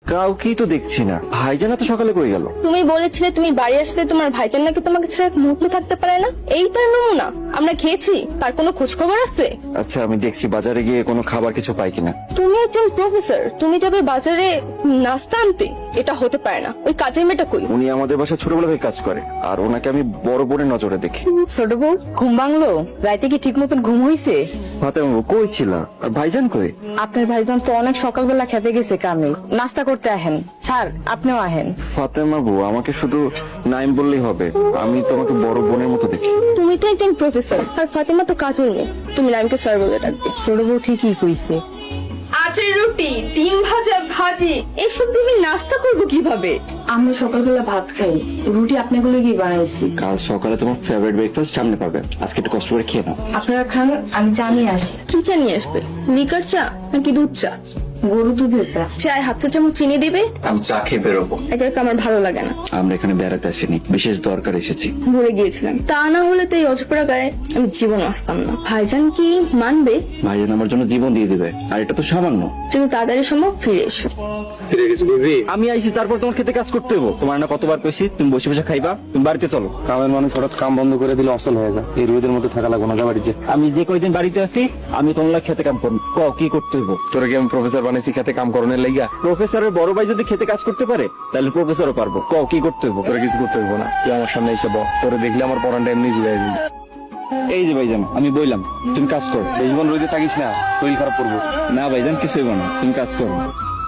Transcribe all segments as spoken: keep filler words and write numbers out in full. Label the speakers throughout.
Speaker 1: কাউকেই তো দেখছি না। ভাইজান তো সকালে কই গেল?
Speaker 2: তুমি বলেছিলে তুমি বাড়ি আসলে তোমার ভাইজান নাকি তোমাকে ছাড়া এক মুহূর্ত থাকতে পারে না। এই তার নমুনা। আমরা খেয়েছি, তার কোনো খোঁজ খবর আছে?
Speaker 1: আচ্ছা আমি দেখছি বাজারে গিয়ে কোনো খাবার কিছু পাই কিনা।
Speaker 2: তুমি একজন প্রফেসর, তুমি যাবে বাজারে নাস্তা আনতে? এটা হতে পারে না। ওই কাজের মেয়েটা কই?
Speaker 1: উনি আমাদের বাসায় ছোটবেলা থেকে কাজ করে, আর ওনাকে আমি বড় বোনের নজরে দেখি।
Speaker 3: ছোট বউ ঘুম ভাঙলো? রাইতে কি ঠিক মতন ঘুম হইছে?
Speaker 1: ফাতেমা কই ছিল? আর ভাইজান কই?
Speaker 3: আপনার ভাইজান তো অনেক সকালবেলা খেতে গেছে কামে। নাস্তা করতে আহেন। স্যার আপনিও আহেন।
Speaker 1: ফাতেমা বউ, আমাকে শুধু নাইম বললেই হবে? আমি তোমাকে বড় বোনের মতো দেখি।
Speaker 2: তুমি তো একজন প্রফেসর, আর ফাতেমা তো কাজের মেয়ে। তুমি নামকে স্যার বলে ডাকবে।
Speaker 3: ছোট বউ ঠিকই কইছে।
Speaker 2: আটের রুটি, ডিম ভাজা, ভাজি এসব দিয়ে আমি নাস্তা করবো কিভাবে?
Speaker 3: আমরা সকালবেলা ভাত খাই, রুটি আপনাগুলো কি বানাইছি।
Speaker 1: কাল সকালে তোমার ফেভারিট ব্রেকফাস্ট সামনে পাবে, আজকে একটু কষ্ট করে খেয়ে নাও।
Speaker 3: আপনারা খান, আমি চা নিয়ে আসি।
Speaker 2: কি চা নিয়ে আসবে? লিকার চা নাকি দুধ চা?
Speaker 3: গরু দুধের চা।
Speaker 2: চায় হাত চা চামচ চিনি দিবে।
Speaker 1: আমি চা খেয়ে বেরোবো।
Speaker 2: একা একা আমার ভালো লাগে না।
Speaker 1: আমরা এখানে বেড়াতে আসিনি, বিশেষ দরকার এসেছি।
Speaker 2: ভুলে গিয়েছিলাম। তা না হলে তো এই অজপরা গায়ে আমি জীবন আসতাম না। ভাইজান কি মানবে?
Speaker 1: ভাইজান আমার জন্য জীবন দিয়ে দিবে, আর এটা তো সামান্য।
Speaker 2: যদি তাড়াতাড়ি সম্ভব ফিরে এসো।
Speaker 1: আমি আইছি, তারপর তোমার খেতে কাজ করতে হবো। তোমার না কতবার কইছি তুমি বসে বসে খাইবা, তুমি বাড়িতে চলো।
Speaker 4: কামের মানুষ হঠাৎ কাম বন্ধ করে দিলে অসল হয়ে যায়। এই রোদের মধ্যে থাকা লাগবে না, যা বাড়ি যে।
Speaker 1: আমি যে কয়দিন বাড়িতে আছি আমি তোমার খেতে কাম করবো। ক কি করতে হইব?
Speaker 4: তোরা কি আমি প্রফেসর বানাইছি খেতে কাম করণের লাইগা?
Speaker 1: প্রফেসরের বড় ভাই যদি খেতে কাজ করতে পারে তাহলে প্রফেসরও পারবো। ক কি করতে হইব?
Speaker 4: তোরা কিছু করতে হইব না, তুই আমার সামনে এসে বল। তোরে দেখলে আমার পড়ানটা এমনি জুড়াই দিবি।
Speaker 1: এই যে ভাইজান, আমি বললাম তুমি কাজ করো।
Speaker 4: বেশি রোদে থাকিস না, শরীর খারাপ করবো।
Speaker 1: না ভাইজান কিছু হইব না, তুমি কাজ করো।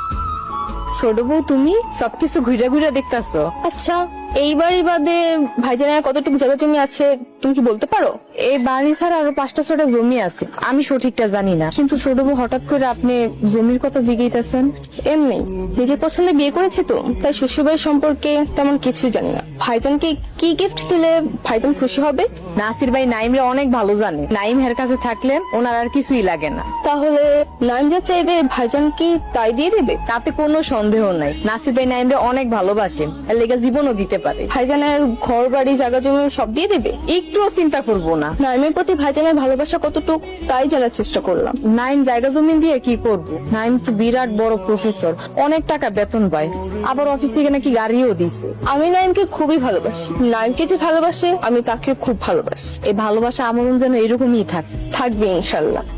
Speaker 3: ছোট বউ তুমি সবকিছু ঘুরে ঘুরে দেখতাছো।
Speaker 2: আচ্ছা, এই বাড়ি বাদে ভাইজানের কতটুকু জায়গা জমি আছে তুমি কি বলতে পারো?
Speaker 3: এই বাড়ি ছাড়া আরো পাঁচটা ছটা জমি আছে, আমি সঠিকটা জানি না। কিন্তু ছোট বউ হঠাৎ করে আপনি জমির কথা জিজ্ঞাসেন।
Speaker 2: এমনি নিজের পছন্দে বিয়ে করেছি তো, তাই শ্বশুরবাড়ির সম্পর্কে তেমন কিছুই জানি না। ভাইজানকে কি গিফট দিলে ভাইজান খুশি হবে?
Speaker 3: নাসির ভাই নাইমরে অনেক ভালো জানে। নাইম হের কাছে থাকলে ওনার আর কিছুই লাগে না।
Speaker 2: তাহলে নাইম যা চাইবে ভাইজান কি তাই দিয়ে দেবে?
Speaker 3: তাতে কোনো সন্দেহ নাই। নাসির ভাই নাইমরে অনেক ভালোবাসে, এর লেগে জীবনও দিতে পারে।
Speaker 2: ভাইজানের ঘর বাড়ি জায়গা জমি সব দিয়ে দেবে?
Speaker 3: একটুও চিন্তা করবো না।
Speaker 2: নাইমের প্রতি ভাইজানের ভালোবাসা কতটুকু তাই জানার চেষ্টা করলাম।
Speaker 3: নাইম জায়গা জমি দিয়ে কি করবো? নাইম তো বিরাট বড় প্রফেসর, অনেক টাকা বেতন পায়, আবার অফিস থেকে নাকি গাড়িও দিছে।
Speaker 2: আমি নাইমকে খুবই ভালোবাসি। নাইমকে যে ভালোবাসে আমি তাকে খুব ভালোবাসি।
Speaker 3: এই ভালোবাসা আমরণ যেন এরকমই থাকে।
Speaker 2: থাকবে ইনশাল্লাহ।